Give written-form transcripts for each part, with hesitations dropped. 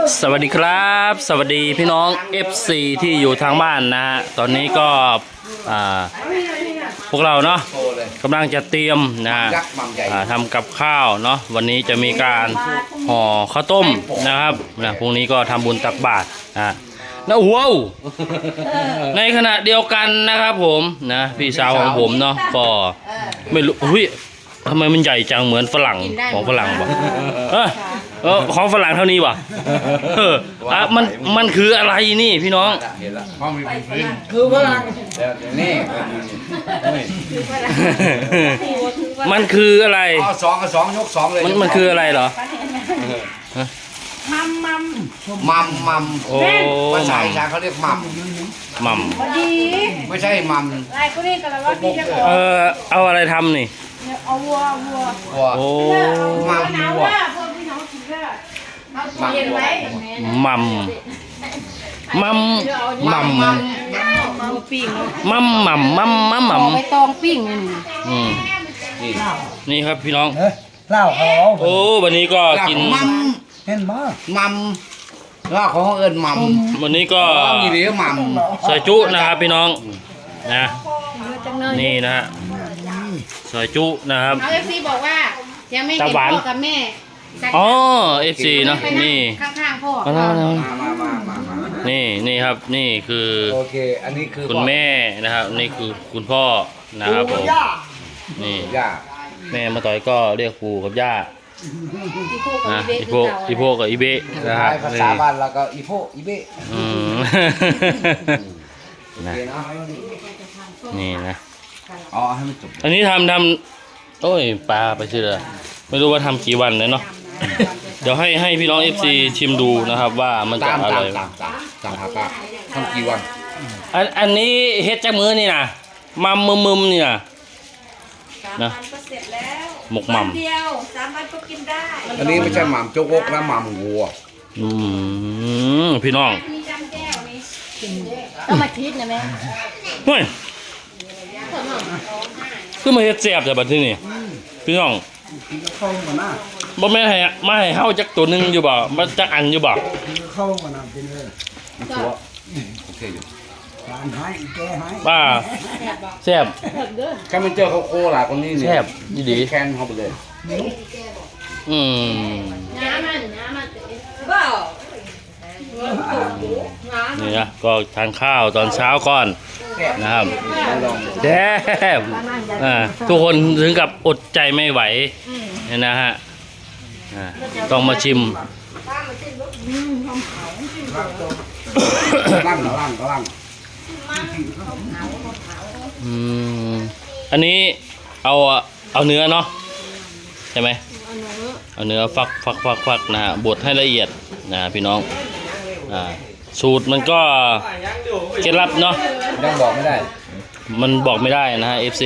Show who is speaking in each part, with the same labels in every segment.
Speaker 1: สวัสดีครับสวัสดีพี่น้อง FC ที่อยู่ทางบ้านนะฮะตอนนี้ก็พวกเราเนาะกำลังจะเตรียมนะทำกับข้าวเนาะวันนี้จะมีการห่อข้าวต้มนะครับนะพรุ่งนี้ก็ทำบุญตักบาตรนะว้าวในขณะเดียวกันนะครับผมนะพี่สาวของผมเนาะก็ไม่รู้ทำไมมันใหญ่จังเหมือนฝรั่งของฝรั่งบ่ของฝรั่งเท่านี้บ่มันคืออะไรนี่พี่น้อง
Speaker 2: คือฝรั่งนี่
Speaker 1: มันคืออะไร
Speaker 2: สองยกสองเลย
Speaker 1: มันคืออะไรเหรอ
Speaker 2: มัม
Speaker 1: โอ้
Speaker 2: ภาษาอีสานเขาเรียกมัมไม่ใช่มัม
Speaker 1: เอาอะไรทำนี่
Speaker 3: เอาวัว
Speaker 1: โอ้
Speaker 2: มัมวัว
Speaker 1: มัม
Speaker 3: ปิ้ง
Speaker 1: ไป
Speaker 3: ตองปิ้ง
Speaker 1: นี่ครับพี่น้อง
Speaker 2: เล่าเขา
Speaker 1: โอ้วันนี้ก็กิน
Speaker 2: เห็นมั้ยมัมเล่าของเอิญมัม
Speaker 1: วันนี้ก็
Speaker 2: มีเหลือมัม
Speaker 1: ใส่จุนะครับพี่น้องนะนี่นะฮะใส่จุนะครับ
Speaker 3: เอาFCบอกว่ายังไม่เห็นพ่อกับแม่
Speaker 1: อ๋อ FC เนาะนี่
Speaker 3: ข้างๆพ่อ
Speaker 1: นี่ครับนี่คือ
Speaker 2: โอเคอันนี้คือ
Speaker 1: คุณแม่นะครับนี่คือคุณพ่อนะครับผมนี่
Speaker 2: ย่า
Speaker 1: แม่มาต่อยก็เรียกปู่กับย่าอีโพกับอีเบะนะครับ
Speaker 2: ภาษาบ้านแล้วก็อีโพอีเบะ
Speaker 1: นี่นะ
Speaker 2: อ๋อให้มันจบ
Speaker 1: อันนี้ทำโอ้ยปลาไปชื่อเลยไม่รู้ว่าทำกี่วันเลยเนาะเดี๋ยวให้พี่น้อง FC ชิมดูนะครับว่ามันจะอร่อย
Speaker 2: ตามครับทำกี่วัน
Speaker 1: อันนี้เฮ็ดจากมือนี่นะมึมนี่นะหมกมัม
Speaker 3: เดียว3 วันก็กินได้
Speaker 2: อันนี้ไม่ใช่หม่ำโจ๊กนะหม่ำวัว
Speaker 1: พี่น้อง
Speaker 3: ต้องมาคิดนะแม่
Speaker 1: เฮ้ยคือมาเฮ็ดแซ่บแต่บัดที่นี่พี่น้องบ่แม่ให้มาให้เฮาจักตัวนึงอยู่บ่มาจักอันอยู่บ่
Speaker 2: เข้ามานํกินเลยโอเคอยู่
Speaker 1: ป้าแซ่บ
Speaker 2: แค่มันเจอเขาโคหลายคนนี้นี่
Speaker 1: แซ่บดี
Speaker 2: แคนเขาไปเลย
Speaker 3: น้ำมัน
Speaker 1: นี่นะก็ทานข้าวตอนเช้าก่อนนะครับแซ่บทุกคนถึงกับอดใจไม่ไหวเนี่ยนะฮะต้องมาชิม
Speaker 2: ล่าง
Speaker 1: อันนี้เอาเนื้อเนาะใช่ไหมเอาเนื้อฟักนะฮะบดให้ละเอียดนะพี่น้องสูตรมันก็เคล็ดลับเนาะ
Speaker 2: ยังบอกไม่ได้
Speaker 1: มันบอกไม่ได้นะฮะ FC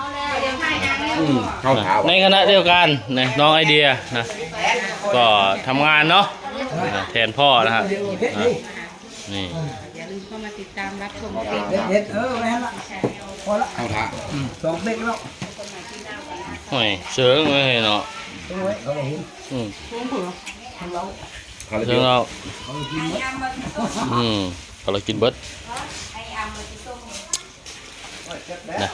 Speaker 1: ในขณะเดียวกันนะน้องไอเดียนะก็ทำงานเนาะแทนพ่อนะฮะนี่
Speaker 3: อย่าลืมเข้ามาติดตามรับชม
Speaker 2: ไม่ให้ละพอละเอาท่า2 เด็กแล้ว
Speaker 1: โอ้ยเสือไม่เห็นเนาะเสือเราเรากินเบิร์ดนะ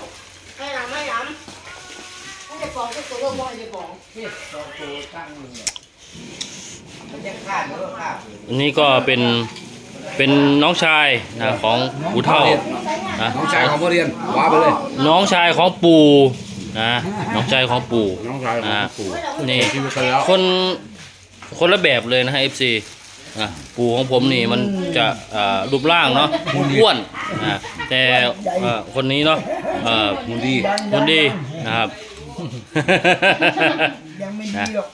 Speaker 1: อันนี้ก็เป็นน้องชายนะของปู่เฒ่า
Speaker 2: นะน้องชายของพ่อเรียนว้าไปเลย
Speaker 1: น้องชายของปู่นะน้องชายของปู่นะนี่คนละแบบเลยนะฮะ FC ปู่ของผมนี่มันจะรูปร่างเนาะอ้วนแต่คนนี้เนาะ
Speaker 2: หุ่น
Speaker 1: ดีนะครับ
Speaker 2: ยังไม่ดีหรอก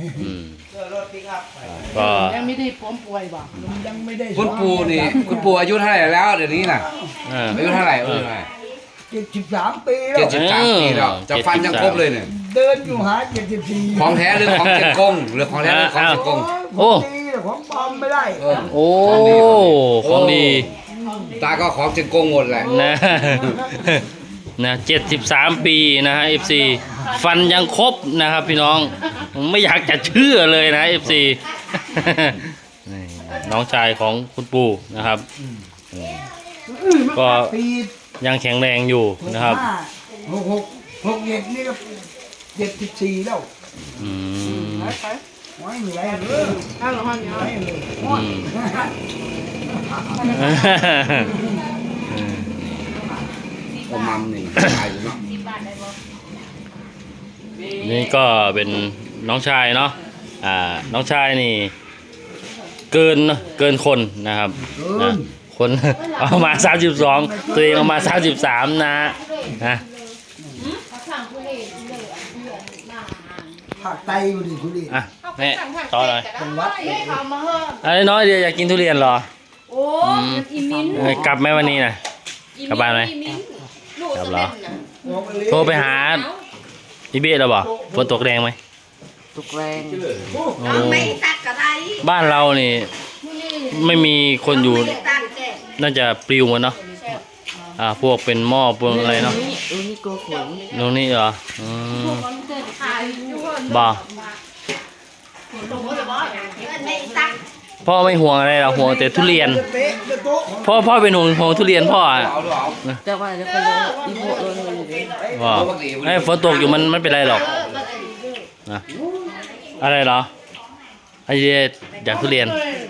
Speaker 1: ก็
Speaker 3: ยังไม่ได้ผมป่วยบ่
Speaker 2: ยังไม่ได้คุณปู่นี่คุณปู่อายุเท่าไหร่แล้วเดี๋ยวนี้น่ะอายุเท่าไหร่73 ปีแล้ว73 ปีแล้วจะฟันยังครบเลยเนี่ยเดินอยู่หา74ของแท้หรือของเจ็ดกงหรือของแท้หรือของเจ็ดกง
Speaker 1: โอ้
Speaker 2: ของปลอมไม่ได้
Speaker 1: โอ้ของดี
Speaker 2: ตาก็ของเจ็ดกงหมดแหละ
Speaker 1: นะ73 ปีนะฮะ FC ฟันยังครบนะครับพี่น้องไม่อยากจะเชื่อเลยนะ FC นี่น้องชายของคุณปู่นะครับก็ยังแข็งแรงอยู่นะครับ
Speaker 4: 6 นี่ก็74แล้ว
Speaker 1: อืม
Speaker 4: ไม่มีอะไรเลย
Speaker 3: เอาหรอห้องนี้
Speaker 4: ไม่เลย
Speaker 2: ก็มัมนี่ตายอยู่เนาะ
Speaker 1: นี่ก็เป็นน้องชายเนาะน้องชายนี่เกินคนนะครับนะคน เอามา32ตัวเองเอามา33นะนะ
Speaker 4: ผักไตอยู่ดิคุณดิ
Speaker 1: อ่ะแม่ต่อเลย
Speaker 4: เป็นวัด
Speaker 1: อะไรน้อยเดียวอยากกินทุเรียนเหรอ
Speaker 3: โอ้อีมิ้น
Speaker 1: กลับไหมวันนี้นะกลับบ้านไหม
Speaker 3: ลูก
Speaker 1: กลับ
Speaker 3: จะ
Speaker 1: เหรอ
Speaker 3: เล่นนะ
Speaker 1: โทรไปหาอีเบสแล้วบ่ฝนตกแรงไหม
Speaker 5: ตุกแรง
Speaker 1: โอ้บ้านเรานี่ไม่มีคนอยู่น่าจะปลิวหมดเนาะพวกเป็นหม้อพวกอะไรเนาะ
Speaker 5: นี่โกขน
Speaker 1: ตรงนี้เหรอบ่พ่อไม่ห่วงอะไรหรอกห่วงแต่ทุเรียน
Speaker 4: เตะโต๊ะ
Speaker 1: พ่อเป็นห่วงทุเรียนพ่ออ่ะ
Speaker 2: เอาดูเอา
Speaker 5: แต่ว่าเดี๋ยวก็เลยอีโบเลยอยู่ดี
Speaker 1: ว่าไอ้ฝนตกอยู่มันไม่เป็นไรหรอกนะอะไรเหรอไอ้เดียอยากทุเรียน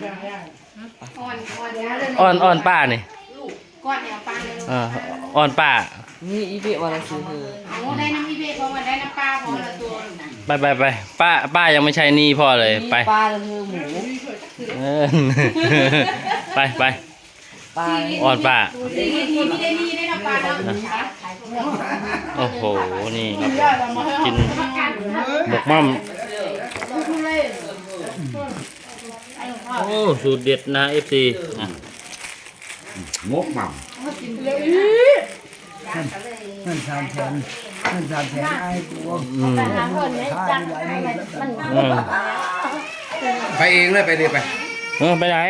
Speaker 1: อ้อนป้านี่
Speaker 3: ก้อนเนี่ยปังเลย
Speaker 1: อ้อนป้า
Speaker 5: นี่อีเบวันละซื้อเธอ
Speaker 3: เอาได้น้ำอีเบกว่าได้น้ำปลาพอละตัวนะ
Speaker 1: ไปป้ายังไม่ใช่หนี่พ่อเลยไป
Speaker 5: ปลาละเธอหมู
Speaker 1: เออ ไป
Speaker 5: ปลา
Speaker 1: อ้อนป้า
Speaker 3: ดีไม่ได้มีได้น้ำปลาแล้ว
Speaker 1: โอ้โหนี่ครับกินหมกม่ำโอ้สูตรเด็ดนะ FC นะ
Speaker 2: มกมัม
Speaker 4: นั่นสามแสนไอ้ตัว
Speaker 1: อืม
Speaker 2: ไปเองเลยไปดิไป
Speaker 1: ไปไหน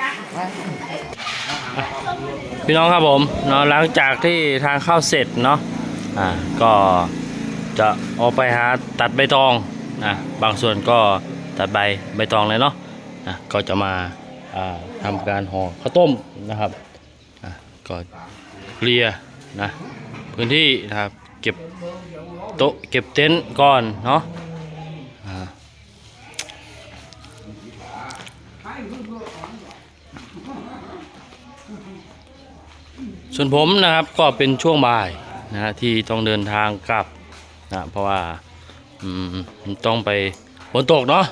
Speaker 1: พี่น้องครับผมเนาะหลังจากที่ทางเข้าเสร็จเนาะก็จะออกไปหาตัดใบตองนะบางส่วนก็ตัดใบตองเลยเนาะก็จะมาทำการห่อข้าวต้มนะครับก็เคลียร์นะพื้นที่นะครับเก็บโต๊ะเก็บเต็นท์ก่อนเนาะส่วนผมนะครับก็เป็นช่วงบ่ายนะที่ต้องเดินทางกลับนะเพราะว่าต้องไปฝนตกเนาะ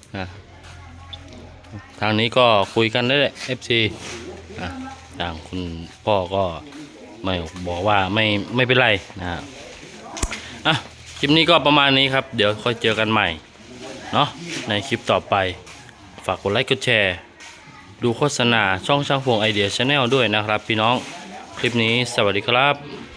Speaker 1: ทางนี้ก็คุยกันได้เลย FC ทางคุณพ่อก็ไม่บอกว่าไม่เป็นไรนะฮะคลิปนี้ก็ประมาณนี้ครับเดี๋ยวค่อยเจอกันใหม่เนาะในคลิปต่อไปฝากกดไลค์กดแชร์ดูโฆษณาช่องช่างพวงไอเดียชาแนลด้วยนะครับพี่น้องคลิปนี้สวัสดีครับ